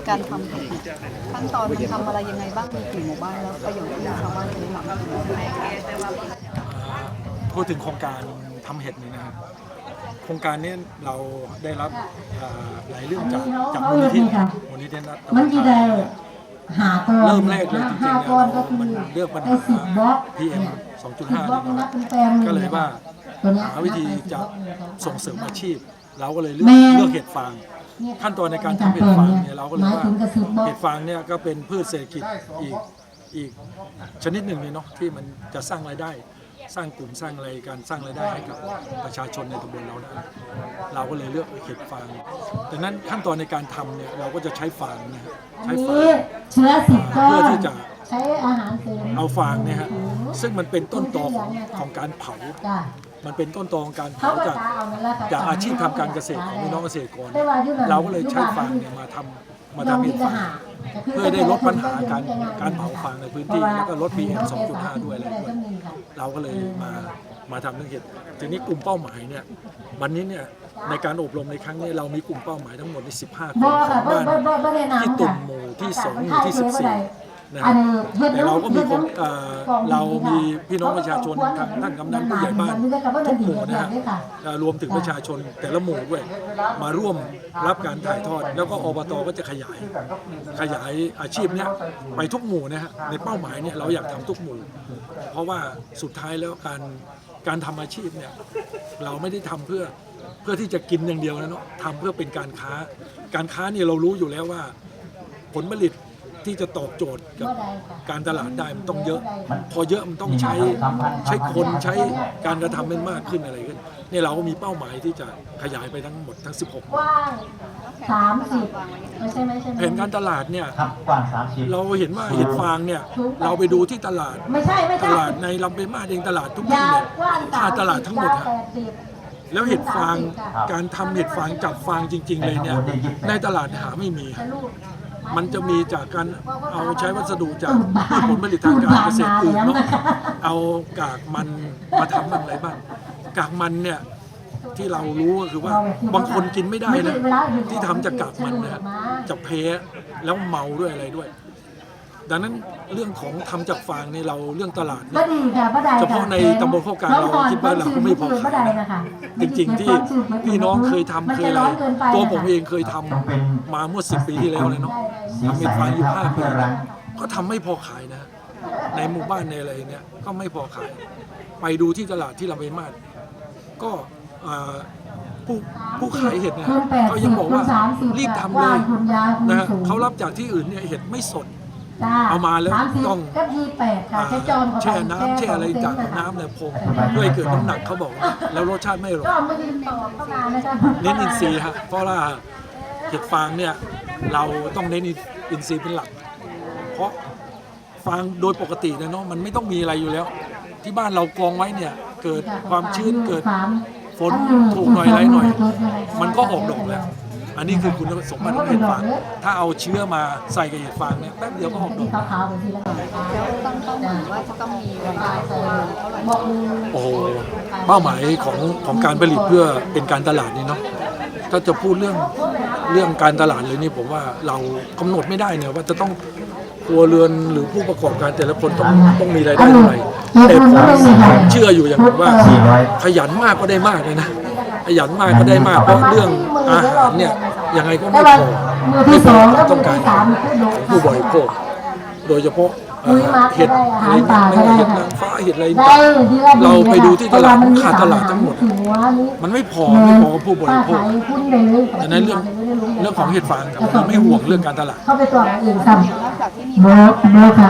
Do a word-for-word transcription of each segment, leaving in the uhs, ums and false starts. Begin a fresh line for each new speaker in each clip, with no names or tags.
การทำเห็ดขั้นตอนมันทำอะไรยังไงบ้างมีกี่หมู่บ้านแล้วประโยชน์ที่ชาวบ้านจะได้รับ
พูดถึงโครงการทำเห็ดนี่นะครับโครงการนี้เราได้รับหลายเรื่องจากจากมูลนิธิมูลนิธิรัฐมันจะได้หาตัวเริ่มแรกเลยจริงๆเนี่ยมันเลือกปัญหา พี เอ็ม สองจุดห้า นี่ก็เลยว่าหาวิธีจะส่งเสริมอาชีพเราก็เลยเลือกเลือกเห็ดฟางขั้นตอนในการทำเห็ดฟางเนี่ยเราก็เลยว่าเห็ดฟางเนี่ยก็เป็นพืชเศรษฐกิจอีกอีกชนิดหนึ่งเลยเนาะที่มันจะสร้างรายได้สร้างกลุ่มสร้างอะไรการสร้างรายได้ให้กับประชาชนในตำบลเราได้เราก็เลยเลือกเห็ดฟางดังนั้นขั้นตอนในการทำเนี่ยเราก็จะใช้ฟางนะใช้ฟางเชื้อสิบก้อนเพื่อที่จะใช้อาหารเสริมเอาฟางเนี่ยฮะซึ่งมันเป็นต้นตอของของการเผามันเป็นต้นตอของการเผาจากจากอาชีพทำการเกษตรของพี่น้องเกษตรกรเราก็เลยใช้ฟางเนี่ยมาทำมาทำเห็ดฟางเพื่อได้ลดปัญหาการการเผาฟางในพื้นที่แล้วก็ลด พี เอ็ม สองจุดห้า ด้วยอะไรด้วยเราก็เลยมามาทำเรื่องเห็ดทีนี้กลุ่มเป้าหมายเนี่ยวันนี้เนี่ยในการอบรมในครั้งนี้เรามีกลุ่มเป้าหมายทั้งหมดในสิบห้าคนของบ้านที่ตุ่มหมู่ที่สองหมู่ที่สิบสี่นะครับแต่เราก็มีคนเรามีพี่น้องประชาชนทางท่านกำนันผู้ใหญ่บ้านทุกหมู่นะฮะรวมถึงประชาชนแต่ละหมู่ด้วยมาร่วมรับการถ่ายทอดแล้วก็อบตก็จะขยายขยายอาชีพเนี้ยไปทุกหมู่นะฮะในเป้าหมายเนี่ยเราอยากทำทุกหมู่เพราะว่าสุดท้ายแล้วการการทำอาชีพเนี่ยเราไม่ได้ทำเพื่อเพื่อที่จะกินอย่างเดียวนะเนาะทำเพื่อเป็นการค้าการค้าเนี่ยเรารู้อยู่แล้วว่าผลผลิตที่จะตอบโจทย์กับการตลาดได้มันต้องเยอะพอเยอะมันต้องใช้ใช้คนใช้การกระทำมันมากขึ้นอะไรขึ้นเนี่ยเราก็มีเป้าหมายที่จะขยายไปทั้งหมดทั้งสิบหก
สามสิบไม่ใช่ไม่ใช่
แผนการตลาดเนี่ยเราเห็นว่าเห็ดฟางเนี่ยเราไปดูที่ตลาดตลาดในลำปางมาเองตลาดทุกที่เนี่ยค่าตลาดทั้งหมดแล้วเห็ดฟางการทำเห็ดฟางจับฟางจริงๆเลยเนี่ยในตลาดหาไม่มีมันจะมีจากการเอาใช้วัสดุจากผลผลิตทางการเกษตรอื่นเนาะเอากากมันมาทำอะไรบ้างกากมันเนี่ยที่เรารู้ก็คือว่าบางคนกินไม่ได้นะที่ทำจากกากมันเนี่ยจะแพ้แล้วเมาด้วยอะไรด้วยดังนั้นเรื่องของทำจากฟางนี่เราเรื่องตลาดเนี่ยเฉพาะในตำบลโคกกลางเราคิดว่าเราก็ไม่พอขายนะจริงๆที่พี่น้องเคยทำเคยอะไรตัวผมเองเคยทำมาเมื่อสิบปีที่แล้วเลยเนาะทำเห็ดฟางอยู่ห้าปีก็ทำไม่พอขายนะในหมู่บ้านในอะไรเนี่ยก็ไม่พอขายไปดูที่ตลาดที่ลำปางมาก็ผู้ผู้ขายเห็ดเนี่ยเขายังบอกว่ารีบทำเลยนะเขารับจากที่อื่นเนี่ยเห็ดไม่สดเอามาแล้วต้องแช่น้ำแช่อะไรจากน้ำเนี่ยพงด้วยเกิดน้ำหนักเขาบอกแล้วรสชาติไม่อร่อยเน้นอินทรีย์ฮะเพราะว่าเห็ดฟางเนี่ยเราต้องเน้นอินทรีย์เป็นหลักเพราะฟางโดยปกติเนาะมันไม่ต้องมีอะไรอยู่แล้วที่บ้านเรากองไว้เนี่ยเกิดความชื้นเกิดฝนถูกหน่อยไรหน่อยมันก็ออกดอกแล้วอันนี้คือคุณสมบัติของเห็ดฟางถ้าเอาเชื้อมาใส่กับเห็ดฟางเนี่ยแป๊บเดียวก็ออกดอก
แล้วตั้งเป้าหมายว่าจะต้องมีรายได้เท่าไหร่
โอ้โหเป้าหมายของของการผลิตเพื่อเป็นการตลาดนี่เนาะถ้าจะพูดเรื่องเรื่องการตลาดเลยนี่ผมว่าเรากำหนดไม่ได้เนี่ยว่าจะต้องครัวเรือนหรือผู้ประกอบการแต่ละคนต้องต้องมีรายได้เท่าไหร่แต่ผมเชื่ออยู่อย่างหนึ่งว่าขยันมากก็ได้มากเลยนะขยันมากก็ได้มากเพราะเรื่องอาหารเนี่ยยังไงก็ไม่พอไม่พอความต้องการของผู้บริโภคโดยเฉพาะเห็ดอะไรต่างๆเห็ดนางฟ้าเห็ดอะไรต่างเราไปดูที่ตลาดขาดตลาดทั้งหมดมันไม่พอไม่พอกับผู้บริโภคดังนั้นเรื่องเรื่องของเห็ดฟางเราไม่ห่วงเรื่องการตลาด
เข้าไปตัวอื่น
ครับโมโมค่ะ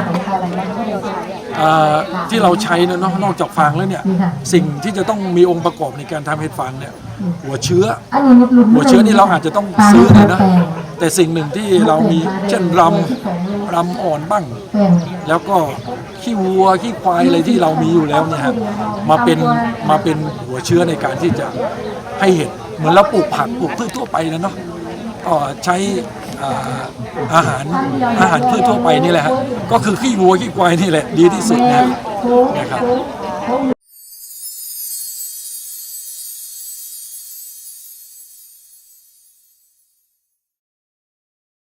ที่เราใช้เนาะนอกจากฟางแล้วเนี่ยสิ่งที่จะต้องมีองค์ประกอบในการทำเห็ดฟางเนี่ยหัวเชื้อหัวเชื้อนี่เราอาจจะต้องซื้อเลยนะแต่สิ่งหนึ่งที่เรามีเช่นรำรำอ่อนบ้างแล้วก็ขี้วัวขี้ควายอะไรที่เรามีอยู่แล้วเนี่ยครับมาเป็นมาเป็นหัวเชื้อในการที่จะให้เห็ดเหมือนเราปลูกผักปลูกพืชทั่วไปนะเนาะก็ใช้อาหารอาหารพืชทั่วไปนี่แหละฮะก็คือขี้วัวขี้ควายนี่แหละดีที่สุดนะครับ